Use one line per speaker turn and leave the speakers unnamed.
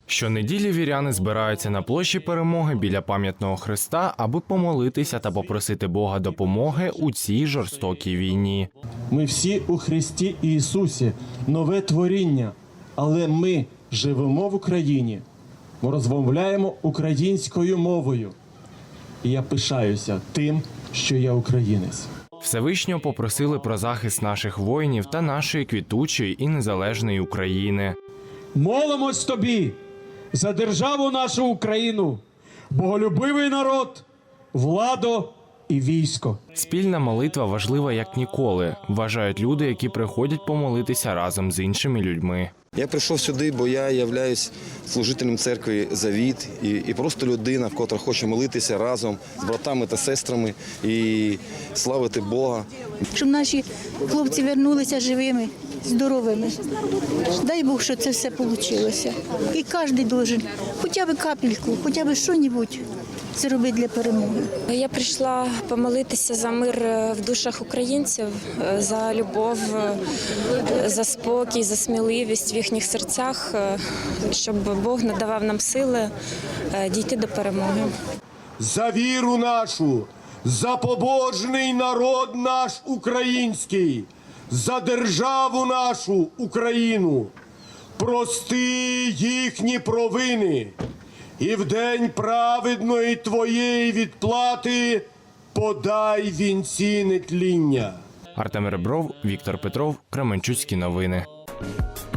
Щонеділі віряни збираються на площі Перемоги біля пам'ятного хреста, аби помолитися та попросити Бога допомоги у цій жорстокій війні.
Ми всі у Христі Ісусі, нове творіння, але ми живемо в Україні, ми розмовляємо українською мовою. І я пишаюся тим, що я українець.
Всевишнього попросили про захист наших воїнів та нашої квітучої і незалежної України.
Молимось тобі за державу нашу Україну, боголюбивий народ, владу і військо.
Спільна молитва важлива як ніколи, вважають люди, які приходять помолитися разом з іншими людьми.
Я прийшов сюди, бо я являюсь служителем церкви «Завіт» і просто людина, котра хоче молитися разом з братами та сестрами і славити Бога.
Щоб наші хлопці вернулися живими, здоровими. Дай Бог, що це все вийшло. І кожен має хоча б капельку, хоча б щось зробити для перемоги.
Я прийшла помолитися за мир в душах українців, за любов, за спокій, за сміливість в їхніх серцях, щоб Бог надавав нам сили дійти до перемоги.
За віру нашу, за побожний народ наш український, за державу нашу Україну. Прости їхні провини. І в день праведної твоєї відплати подай вінці нетління.
Артем Ребров, Віктор Петров, Кременчуцькі новини.